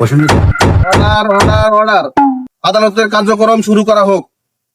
Order order order, আদালতের কার্যক্রম শুরু করা হোক।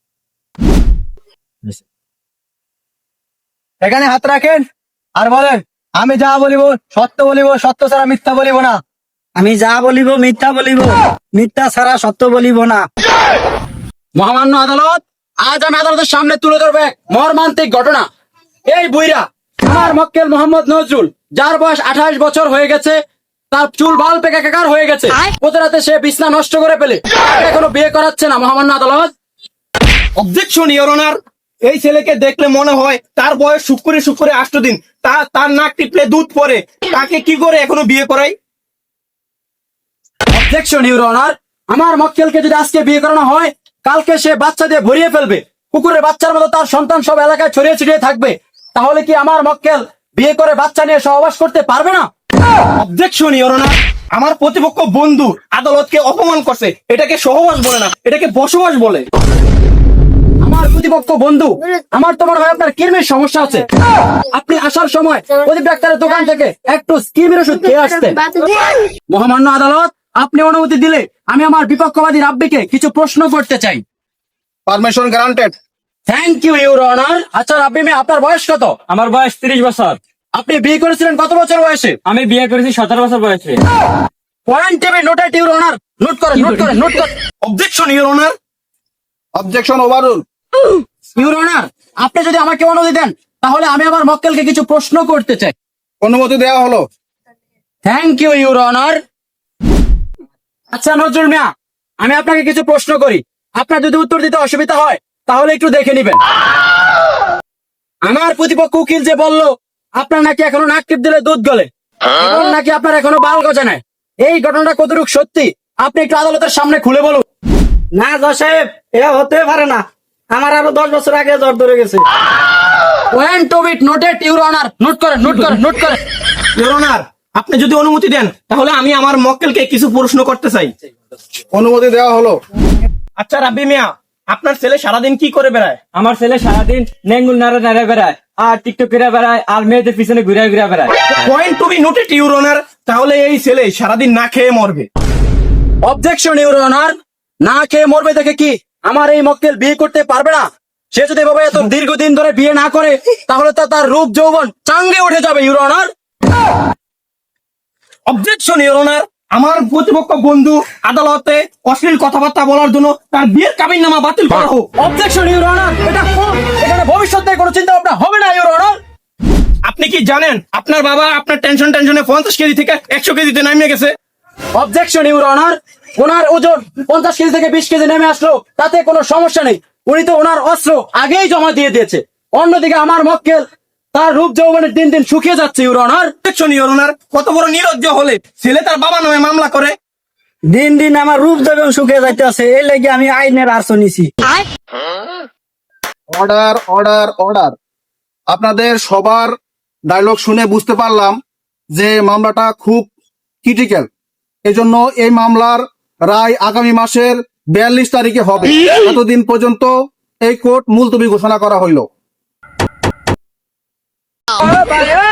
এখানে হাত রাখেন আর বলেন, আমি যা বলিব সত্য বলিব, সত্য ছাড়া মিথ্যা বলিব না। আমি যা বলিব মিথ্যা বলিব, মিথ্যা ছাড়া সত্য বলিব না। মহামান্য আদালত, আজ আমি আদালতের সামনে তুলে ধরবে মর্মান্তিক ঘটনা। এই বুইরা আমার মক্কেল মোহাম্মদ নজরুল, যার বয়স 28 বছর হয়ে গেছে, তার চুল বাল পেকে একাকার হয়ে গেছে। প্রতি রাতে সে বিছনা নষ্ট করে ফেলে, এখনো বিয়ে করাচ্ছে না। মহামান্য আদালত, অবজেকশন ইওর অনার, এই ছেলেকে দেখলে মনে হয় তার বয়স শুক্রে 8 দিন। তার নাক টিপলে দুধ পড়ে, তাকে কি করে এখনো বিয়ে করাই? অবজেকশন ইউর অনার, আমার মক্কেলকে যদি আজকে বিয়ে করানো হয়, কালকে সে বাচ্চা দিয়ে ভরিয়ে ফেলবে। কুকুরের বাচ্চার মতো তার সন্তান সব এলাকায় ছড়িয়ে ছিটিয়ে থাকবে। তাহলে কি আমার মক্কেল বিয়ে করে বাচ্চা নিয়ে সহবাস করতে পারবে না? অবজেকশন ইওর অনার, আমার প্রতিপক্ষ বন্ধু আদালতকে অপমান করছে। এটাকে সহবাস বলে না, এটাকে বসবাস বলে। আমার প্রতিপক্ষ বন্ধু, আমার তো মনে হয় আপনার কিডনির সমস্যা আছে। আপনি আসার সময় প্রদীপ ডাক্তারের দোকান থেকে একটু কিডনির ওষুধ খেয়ে আসতেন। মহামান্য আদালত, আপনি অনুমতি দিলে আমি আমার বিপক্ষবাদী রাব্বিকে কিছু প্রশ্ন করতে চাই। Permission granted. Thank you your honour. আচ্ছা রাব্বি মিয়া, আপনার বয়স কত? আমার বয়স 30 বছর। আপনি বিয়ে করেছিলেন কত বছর বয়সে? আমি বিয়ে করেছি 17 বছর বয়সে। Point table noted your honour. Note করেন, নোট করেন, নোট করেন। Objection your honour, objection overrule. Your honour, আপনি যদি আমাকে অনুমতি দেন, তাহলে আমি আমার মক্কেলকে কিছু প্রশ্ন করতে চাই। অনুমতি দেওয়া হলো। Thank you your honour. আচ্ছা নজরুল মিয়া, আমি আপনাকে কিছু প্রশ্ন করি। আপনার যদি উত্তর দিতে অসুবিধা হয় তাহলে একটু দেখে নিবেন। আমার প্রতিপক্ষ উকিল যে বলল আপনার নাকি এখনো নাক টিপ দিলে দুধ গলে, এবং নাকি আপনার এখনো বাল গজে নাই, এই ঘটনাটা কতটুকু সত্যি আপনি একটু আদালতের সামনে খুলে বলুন। না জজ সাহেব, এটা হতে পারে না। আমার আরো 10 বছর আগে জ্বর ধরে গেছে। Point of it noted your honour. Note করেন, নোট করেন, নোট করেন। ইওর অনার, আপনি যদি অনুমতি দেন তাহলে আমি আমার মক্কেলকে কিছু প্রশ্ন করতে চাই। অনুমতি দেওয়া হলো। আচ্ছা রাব্বি মিয়া, আপনার ছেলে সারাদিন কি করে বেড়ায়? আমার ছেলে সারাদিন নেঙ্গুল নাড়ে নাড়ে বেড়ায়, আর টিকটক করে বেড়ায়, আর মেয়েদের পিছনে ঘুরে ঘুরে বেড়ায়। Point to be noted your honour, তাহলে এই ছেলে সারাদিন না খেয়ে মরবে। অবজেকশন ইউর অনার, না খেয়ে মরবে দেখে কি আমার এই মক্কেল বিয়ে করতে পারবে না? সে যদি এভাবে এত দীর্ঘদিন ধরে বিয়ে না করে, তাহলে তো তার রূপ যৌবন চাঙ্গে উঠে যাবে your honour. Objection your honour, আমার প্রতিপক্ষ বন্ধু আদালতে অশ্লীল কথাবার্তা বলার জন্য তার বিয়ের কাবিননামা বাতিল করা হোক। অবজেকশন ইউর অনার, এটা কোন, এখানে ভবিষ্যতে কোনো চিন্তা ভাবনা হবে না ইউর অনার। আপনি কি জানেন আপনার বাবা আপনার টেনশনে 50 কেজি থেকে 100 কেজিতে নামিয়ে গেছে? অবজেকশন ইউর অনার, ওনার ওজন 50 কেজি থেকে 20 কেজি নেমে আসলো, তাতে কোনো সমস্যা নেই। উনি তো ওনার অস্ত্র আগেই জমা দিয়ে দিয়েছে। অন্যদিকে আমার মক্কেল, তার রূপ যৌবনের দিন দিন শুকিয়ে যাচ্ছে your honour. Objection your honour, কত বড় নির্লজ্জ হলে ছেলে তার বাবা নামে মামলা করে। দিন দিন আমার রূপ যৌবন শুকিয়ে যাইতেছে, এই লাগি আমি আইনের আশ্রয় নিছি। Order order order. আপনাদের সবার ডায়লগ শুনে বুঝতে পারলাম যে মামলাটা খুব ক্রিটিক্যাল। এজন্য এই মামলার রায় আগামী মাসের 42 তারিখে হবে। এতদিন পর্যন্ত এই কোর্ট মুলতবি ঘোষণা করা হইল।